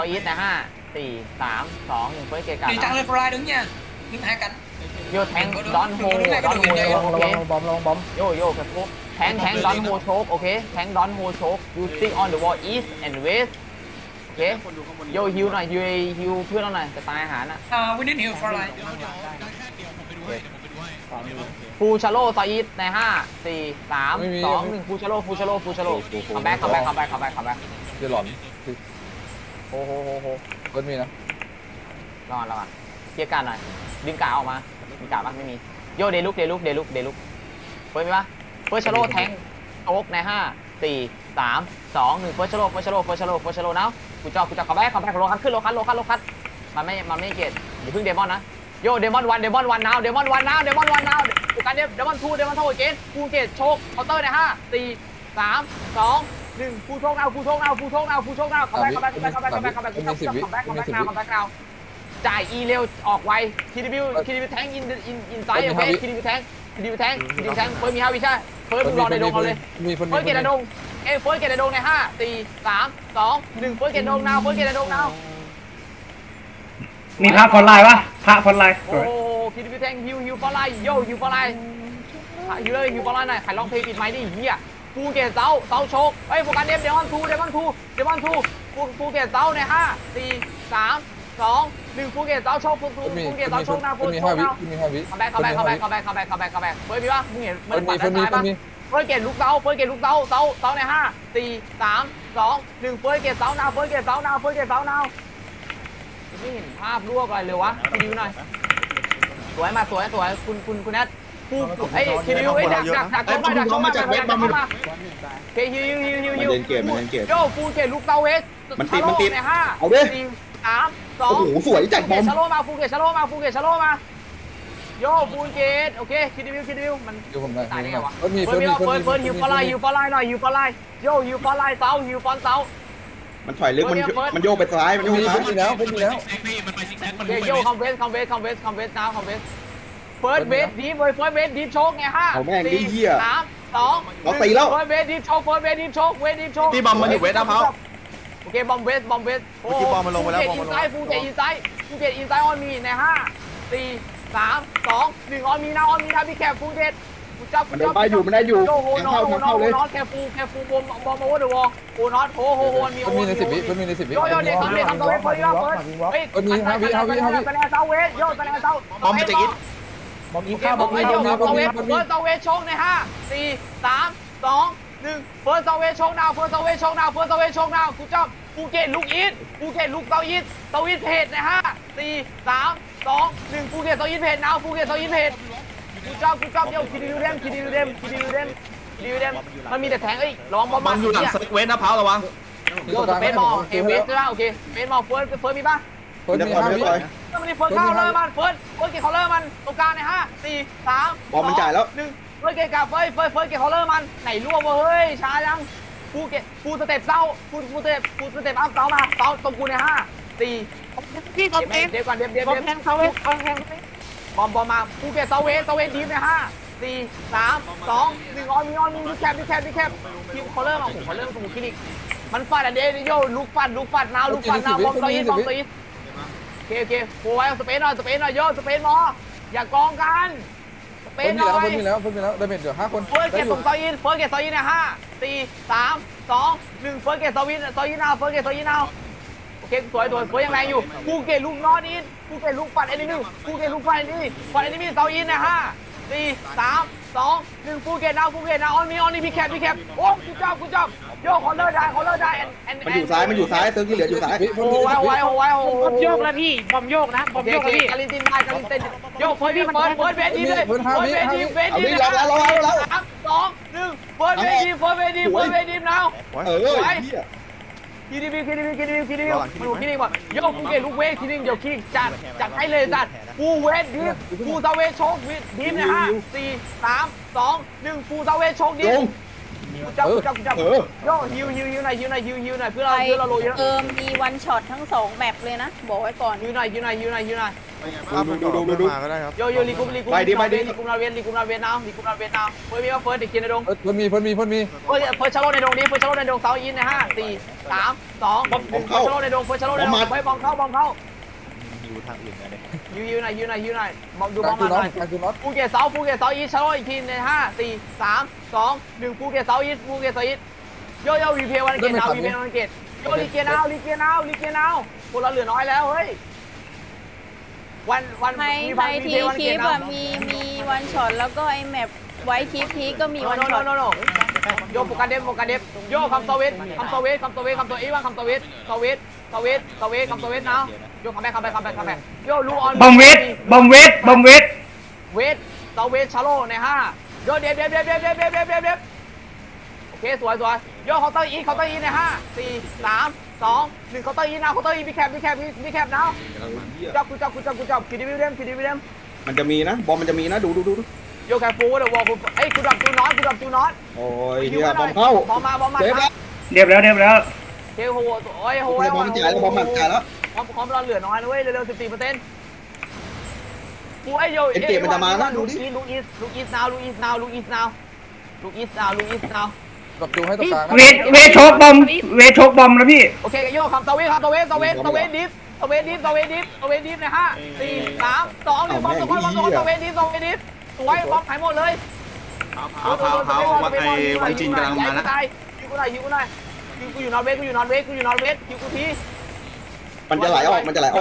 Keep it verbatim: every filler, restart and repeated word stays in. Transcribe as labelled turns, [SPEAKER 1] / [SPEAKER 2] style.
[SPEAKER 1] อีทนะห้าสี่สามสองหนึ่งเฟิร์สเกการ์
[SPEAKER 2] Đi tăng lên fly đứng nha. Đứng hai cánh.
[SPEAKER 1] โยแทงดอนโฮดอนโฮ
[SPEAKER 3] ระวัง
[SPEAKER 1] โอ
[SPEAKER 3] ระ
[SPEAKER 1] เค
[SPEAKER 3] วังบอมระวังบอม
[SPEAKER 1] โยโย่กับพวกแทงแทงดอนโฮโชกโอเคแทงดอนโฮโชก you stick on the wall east and west โอเคโยฮิวหน่อยฮิวฮิวเพื่อนเราหน่อยจะตายอาหารอ่ะ
[SPEAKER 2] Uh, we need heal fly.
[SPEAKER 1] ฟูชาโลซออีทในห้าสี่สามสองหนึ่งฟูชาโลฟูชาโลฟูชาโลคัมแบ็คคัมแบ็คคัมแบ็คคัมแบ็คคัมแบ็ค
[SPEAKER 3] จะหลอน
[SPEAKER 1] โอ้โหโหโห
[SPEAKER 3] ก็มีนะ
[SPEAKER 1] รอดแล้วอ่ะเกียร์การหน่อยดึงกาออกมามีกาปะไม่มีโยเดลุกเดลุกเดลุกเดลุกเฟิร์สมีปะเฟิร์สชาโลแทงโอ๊กในห้าสี่สามสองหนึ่งเฟิร์สชาโลเฟิร์สชาโลเฟิร์สชาโลเฟิร์สชาโลนะกูจอกูจอคัมแบ็คคัมแบ็คโลคัสขึ้นโลคัสโลคัสโลคัสมันไม่มันไม่เกตอย่าเพิ่งเดมอนนะโยเดมอนวันเดมอนวันนาวเดมอนวันนาวเดมอนวันนาวกูการเดมเดมอนทูเดมอนทูเกนกูเกตโชกเคาน์เตอร์ในห้าสี่สามสองหนึ่งฟูโชกนาวฟูโชกนาวฟูโชกนาวฟูโชกนาวคัมแบ็คคัมแบ็คคัมแบ็คคัมแบ็คคัมแบ็คคัมแบ็คคัมแบ็คคัมแบ็คคัมแบ็คนาวคัมแบ็คนาวจ่ายอีเร็วออกไวคีดีบิวคีดีบิวแทงอินอินอินไซด์โอเคคีดีบิวแทงคีดีบิวแทงคีดีบิวแทงเฟิร์สมีห้าวิใช่เฟิร์สมึงรอในดงเอาเลย
[SPEAKER 3] มีคน
[SPEAKER 1] เฟิร์สเกตในดงเอ้เฟิร์สเกตในดงในห้าสี่สามสองหนึ่งเฟิร์สเกตในดงนาวเฟิร์สเกตในดงนาว
[SPEAKER 4] มีพระฟอนไลน์ปะพระฟอนไลน์
[SPEAKER 1] โอ้คีดีบิวแทงฮิวฮิวฟอร์ไลโยฮิวฟอร์ไลฮิวเลยฮิวฟอร์ไลหน่อยใครร้องเพลงปิดไมค์ดิเฮียฟูเกตเซาเซาโชกเฮ้ยโฟกัสเดมเดมอนทูเดมอนทูเดมอนทูฟูฟูเกตเซาในห้าสี่สามสองหนึ่งฟูเกตเซาโชกฟูฟูฟูเกตเซาโชกนะฟู
[SPEAKER 3] มี
[SPEAKER 1] โช
[SPEAKER 3] ห้าก วิ
[SPEAKER 1] นะ
[SPEAKER 3] มีห้าวิ
[SPEAKER 1] คัมแบ็คคัมแบ็คคัมแบ็คคัมแบ็คคัมแบ็คคัมแบ็คคัมแบ็คเฟิร์สมีปะมึงเห็นมัน
[SPEAKER 3] มี
[SPEAKER 1] ปัด
[SPEAKER 3] คนมี
[SPEAKER 1] ซ้าย
[SPEAKER 3] ค
[SPEAKER 1] ปะ
[SPEAKER 3] นมี
[SPEAKER 1] เฟิร์สเกตลูกเซาเฟิร์สเกตลูกเซาเซาเซาในห้าสี่สามสองหนึ่งเฟิร์สเกตเซานาวเฟิร์สเกตเซานาวเฟิร์สเกตเซานาวไม่เห็นภาพรวบอะไรเลยวะคิวหน่อยสวยมาสวยสวยคุณคุณคุณแอดฟูไอ้คิวไอ้ดักดักดักเข้ามาดักเข้ามาจากเวทเข้ามาเคฮิวฮิวฮิวฮิวโยฟูเกตลูกเซาเวสในห้าสี่สามสอง
[SPEAKER 5] โอ้โหสวยจัดบอม
[SPEAKER 1] ชาโลมาฟูเกตชาโลมาฟูเกตชาโลมาโยฟูเกตโอเคคิดดิวคิดดิวมัน
[SPEAKER 3] ดูผมได้
[SPEAKER 1] ตายได้ไงวะ
[SPEAKER 3] เฟิร์สมี
[SPEAKER 1] เฟิ
[SPEAKER 3] เฟิ
[SPEAKER 1] ร์
[SPEAKER 3] ร์
[SPEAKER 1] ส
[SPEAKER 3] ส
[SPEAKER 1] มี
[SPEAKER 3] มี
[SPEAKER 1] เฟิร์สเฟิร์สฮิวฟอลไลฮิวฟอลไลหน่อยฮิวฟอลไลโยฮิวฟอลไลเซาฮิวฟอนเซา
[SPEAKER 5] มันถอยลึกมันมันโยกไปซ้ายมันโยก
[SPEAKER 3] มี
[SPEAKER 5] ไปซ้าย
[SPEAKER 3] มีแล้วมีแล้ว
[SPEAKER 1] โอเคโยคัมเวสคัมเวสคัมเวสคัมเวสน้ำคัมเวสเฟิร์สเวสดีฟเฟิร์สเวสดีฟโชกไงห้าสี่สามสองเฟิร์สเวสดีฟโชกเฟิร์สเวสดีฟโชกเวสดีฟโชก
[SPEAKER 6] ที่บอมมันอยู่เวทนะเขา
[SPEAKER 1] โอเคบอมเวสบอมเวสโอ้
[SPEAKER 6] เมื่อกี้บอมมันลงไปแล้วบอมมันลง
[SPEAKER 1] ฟูเกตอินไซด์ฟูเกตอินไซด์ออนมีในห้าสี่สามสองหนึ่งออนมีนะออนมีนะพี่แคปฟูเกต
[SPEAKER 5] มันได้ไปอยู่มันได้อยู่
[SPEAKER 1] โอ้โห
[SPEAKER 5] ยัง
[SPEAKER 1] น็อ
[SPEAKER 5] เข้า
[SPEAKER 1] ต
[SPEAKER 5] ยังเข้าเลย
[SPEAKER 1] น็อตแคฟูแคฟูบอมบอมโอเวอร์เดอะวอลโอ้น็อตโอ้โหมี
[SPEAKER 3] เฟิร์สมีในสิบวิเฟิร์สมีในสิบวิ
[SPEAKER 1] โยโย่เด็กทำเด็กทำตัวเวทเฟิร์สเฟิร์สเฮ้ยคะแนนเซาเวทโย่คะแนนเซา
[SPEAKER 6] บอมมันจะกิน
[SPEAKER 3] บอม
[SPEAKER 1] โอ
[SPEAKER 3] ยิง
[SPEAKER 1] เค
[SPEAKER 3] ข้าว
[SPEAKER 1] บบ อ
[SPEAKER 3] อ
[SPEAKER 1] ม
[SPEAKER 3] ม
[SPEAKER 1] เว
[SPEAKER 3] มี
[SPEAKER 1] ท
[SPEAKER 3] บอมมีบอม
[SPEAKER 1] เซาเว
[SPEAKER 3] มี
[SPEAKER 1] ท
[SPEAKER 3] บอมมี
[SPEAKER 1] เฟิร์สเซาเวทโชคในห้าสี่สามสองหนึ่งเฟิร์สเซาเวทโชคดาวเฟิร์สเซาเวทโชคดาวเฟิร์สเซาเวทโชคดาวกูจอบภูเก็ตลูกอีทภูเก็ตลูกเซาอีทเซาอีทเพจในห้าสี่สามสองหนึ่งภูเก็ตเซาอีทเพจนาวภูเก็ตเซาอีทเพจกูจอบกูจอบเดี๋ยวคิดดูเดมคิดดูเดมคิดดูเดมคิดดูเดมมันมีแต่แทงเอ้ยระวังบอม
[SPEAKER 6] บอมอยู่หลังสเวทนะเผาระวัง
[SPEAKER 1] โยสเปซมอลเอเวสใช่ป่ะโอเคสเปซมอลเฟิร์สเฟิร์สมีป่ะ
[SPEAKER 3] เฟิร์สมีห้าวิ
[SPEAKER 1] ถ้ามันมีเฟิร์สเข้าเลยมันเฟิร์สเฟิร์สเกตเคาน์เลอร์มันตรงกลางในห้าสี่สาม
[SPEAKER 5] บอมมันจ่ายแล้ว
[SPEAKER 1] หนึ่งเฟิร์สเกตกับเฟิร์สเฟิร์สเฟิร์สเกตเคาน์เลอร์มันไหนร่วงวะเฮ้ยช้ายังฟูเกตฟูสเต็ปเศร้าฟูฟูสเต็ปฟูสเต็ปอัพเศร้ามาเศร้าตรงกูในห้าสี่
[SPEAKER 7] พี่บอมเอง
[SPEAKER 1] เดี๋ยวก่อนเดี๋ยวเดี๋ยว
[SPEAKER 7] บอม
[SPEAKER 1] เดี๋ยว
[SPEAKER 7] แทงเขาเองบอมแทง
[SPEAKER 1] บอมบอมมาฟูเกตเซาเวสเซาเวสดีฟในห้าสี่สามสองหนึ่งออนมีออนมีดิแคปดิแคปดิแคปทีมเคาน์เลอร์มาผมเคาน์เลอร์สมุทรคลินิกมันฟาดอะเดย์โยลุกฟัดลุกฟัดนาวลุกฟัดนาวบอมเซาอีสบอมเซาอีสโอเคโอเคโอ้ยสเปซหน่อยสเปซหน่อยโยสเปซมออย่ากองกันสเป
[SPEAKER 3] เฟิร์
[SPEAKER 1] ซ
[SPEAKER 3] ส
[SPEAKER 1] ห
[SPEAKER 3] มี
[SPEAKER 1] น่
[SPEAKER 3] แล้
[SPEAKER 1] อ
[SPEAKER 3] วย เฟิร์สมีแล้วเฟิร์สมีแล้วได้เม็ดเดี๋ยวห้าคน
[SPEAKER 1] เฟิร์สเก
[SPEAKER 3] ได้
[SPEAKER 1] ต
[SPEAKER 3] อยู่
[SPEAKER 1] ส่งเซาอีสเฟิร์สเกตเซาอีสในห้าสี่สามสองหนึ่งเฟิร์สเกตเซาอีสเซาอีสนาวเฟิร์สเกตเซาอีสนาวโอเคสวยสวยสวยยังแรงอยู่ภูเก็ตลูกนอตอีสภูเก็ตลูกฟัดเอนิมี่ภูเก็ตลูกฟัดเอนิมี่ฟัดเอนิมี่เซาอีสในห้าสี่สามสองหนึ่งภูเก็ตนาวภูเก็ตนาวออนมีออนนี่พี่แคปพี่แคปโอ้กูจับกูจับโยคอนเลอร์ได้คอนเลอร์ได้แอนแอน
[SPEAKER 5] มันอยู่ซ้ายมันอยู่ซ้ายเซิร์ฟที่เหลืออยู่ซ้าย
[SPEAKER 1] โอ้ไว้ไว้ไว้โอ้
[SPEAKER 7] บอมโยกแล้วพี่บอมโยกนะบอม
[SPEAKER 1] โอเค
[SPEAKER 7] โย
[SPEAKER 1] โอก เค
[SPEAKER 7] แล้วพี่
[SPEAKER 1] กาลินตินได้กาลินตินโยเฟิร์สพี่เฟิร์สเฟิร์สเวทีเลยเฟิร์สเวทีเวทีสามสองหนึ่งเฟิร์สเวทีเฟิร์สเวทีเฟิร์สเวทีนาว
[SPEAKER 5] เออเหี้ย
[SPEAKER 1] คิดดีคิดดีคิดดีคิดดีมันดูคิดดีก่อนโยกูเกลูกเวทคิดดีเดี๋ยวคิดจัดจัดให้เลยจัดฟูเวทดิฟฟูซาเวทโชคดิฟนะฮะสี่สามสองหนึ่งฟูซาเวทโชคดิฟกูจับกูจับกูจับโยฮิวฮิวฮิวหน่อยฮิวหน่อยฮิวฮิวหน่อยเพื่อเราเพื่อเราโรยเยอะ
[SPEAKER 8] เออมีวันช็อตทั้งสองแมปเลยนะบอกไว้ก่อน
[SPEAKER 1] ฮิวหน่อยฮิวหน่อยฮิวหน่อยฮิวหน่อย
[SPEAKER 5] ดูดูดูดูดู
[SPEAKER 8] มาก็ได้ครับ
[SPEAKER 1] โยโยลีกุมลีกุม
[SPEAKER 5] ไปดิไปดิ
[SPEAKER 1] ลีกุมนาเวนลีกุมนาเวนนาวลีกุมนาเวนนาวเฟิร์สมีว่าเฟิร์สเด็กเกียร์ในดง
[SPEAKER 3] เฟิร์สมีเฟิร์สมีเฟิร์สมี
[SPEAKER 1] เฟิร์สเฟิร์สชาโลในดงนี้เฟิร์สชาโลในดงเซาอินในห้าสี่สามสองหนึ่งเฟิร์สชาโลในดงเฟิร์สชาโลในดงไปบอมเข้าบอมเข้า
[SPEAKER 8] อยู่ทางอื่นนะเนี่ย
[SPEAKER 1] ยูยูหน่อยยูหน่อยยูหน่อยบอมดู
[SPEAKER 3] ก
[SPEAKER 1] บ
[SPEAKER 3] ลา
[SPEAKER 1] อง ม
[SPEAKER 3] คือ
[SPEAKER 1] มาห
[SPEAKER 3] น็อ
[SPEAKER 1] น่
[SPEAKER 3] ต
[SPEAKER 1] อย
[SPEAKER 3] กลางคือน็อต
[SPEAKER 1] ภูเก็ตเซาภูเก็ตเซาอีชาโลอีกทีในห้าสี่สามสองหนึ่งภูเก็ตเซาอีภูเก็ตเซาอีโยโย่วีเพย์วันเกตนาววีเพย์วันเกตโยลีเกียร์นาวลีเกียร์นาวลีเกียร์นาวพวกเราเหลือน้อยแล้วเฮ้ยวันวัน
[SPEAKER 9] ไฮ
[SPEAKER 1] มี
[SPEAKER 9] ไฮ
[SPEAKER 1] วันวี
[SPEAKER 9] ที
[SPEAKER 1] เพย์วัน
[SPEAKER 9] ค
[SPEAKER 1] เก
[SPEAKER 9] ลิ
[SPEAKER 1] ต
[SPEAKER 9] ป
[SPEAKER 1] นาว
[SPEAKER 9] อะมีมีวันช็อตแล้วก็ไอแมปไว้คลิปพีก็มี
[SPEAKER 1] โน
[SPEAKER 9] วัน
[SPEAKER 1] โน
[SPEAKER 9] ช็อต
[SPEAKER 1] โนโนโยโฟกัสเดมโฟกัสเดมโยคำโซเวตคำโซเวตคำโซเวตคำโซเอว่าคำโซเวตโซเวตโซเวตโซเวตคำโซเวตนะโยคัมแบ็คคัมแบ็คคัมแบ็คคัมแบ็คโยลูออน
[SPEAKER 4] บอมเวทบอมเวทบอมเวท
[SPEAKER 1] เวทโซเวตชาโลในห้าโยเดฟเดฟเดฟเดฟเดฟเดฟเดฟเดฟเดฟโอเคสวยสวยโยเคาน์เตอร์อีเคาน์เตอร์อีในห้าสี่สามสองหนึ่งเคาน์เตอร์อีนะเคาน์เตอร์อีมีแคปมีแคปมีแคปนะจับกูจับกูจับกูจับคิดดิวิเดมคิดดิวิเดม
[SPEAKER 5] มันจะมีนะบอมมันจะมีนะดูดูดู
[SPEAKER 1] โยแคฟูเดี๋ยววอลกูเอ้ยกูดับจูนอตกูดับจูนอต
[SPEAKER 5] โอ้ยเฮียบอมเข้า
[SPEAKER 1] บอมมาบอมมา
[SPEAKER 5] เซฟแล้ว
[SPEAKER 4] เรียบแล้วเรียบแล้ว
[SPEAKER 1] เฮ้ยโหโอ้ยโห
[SPEAKER 5] โอ้ยบอมจ่ายแล้วบอมมันจ่ายแล้ว
[SPEAKER 1] พร้อมพร้อมเราเหลือน้อยนะเว้ยเร็วๆสิบสี่เปอร์เซ็นต์กูไอ้โยลูกอีสลูกอีสลูกอีส now ลูกอีส now ลูกอีส now ลูกอีส now ลูกอีส now
[SPEAKER 3] กับจูให้ตรงกลาง
[SPEAKER 4] เวทเวทโชกบอมเวทโชกบอมนะพี่
[SPEAKER 1] โอเคโยคำตะเวนคำตะเวนตะเวนตะเวนดิฟตะเวนดิฟตะเวนดิฟตะเวนดิฟในห้าสี่สามสองหนึ่งบอมตะวันบอมตะเวนดิฟตะเวนดิฟสวยบอมหายหมดเลย
[SPEAKER 6] เผาเผาเผาวันไอ้วันจีนกำลังมานะ
[SPEAKER 1] ยิงกูหน่อยยิงกูหน่อยยิงกูอยู่นอร์เวย์กูอยู่นอร์เวย์กูอยู่นอร์เวย์ยิงกูที
[SPEAKER 5] มันจะไหลออกมันจะไหลออก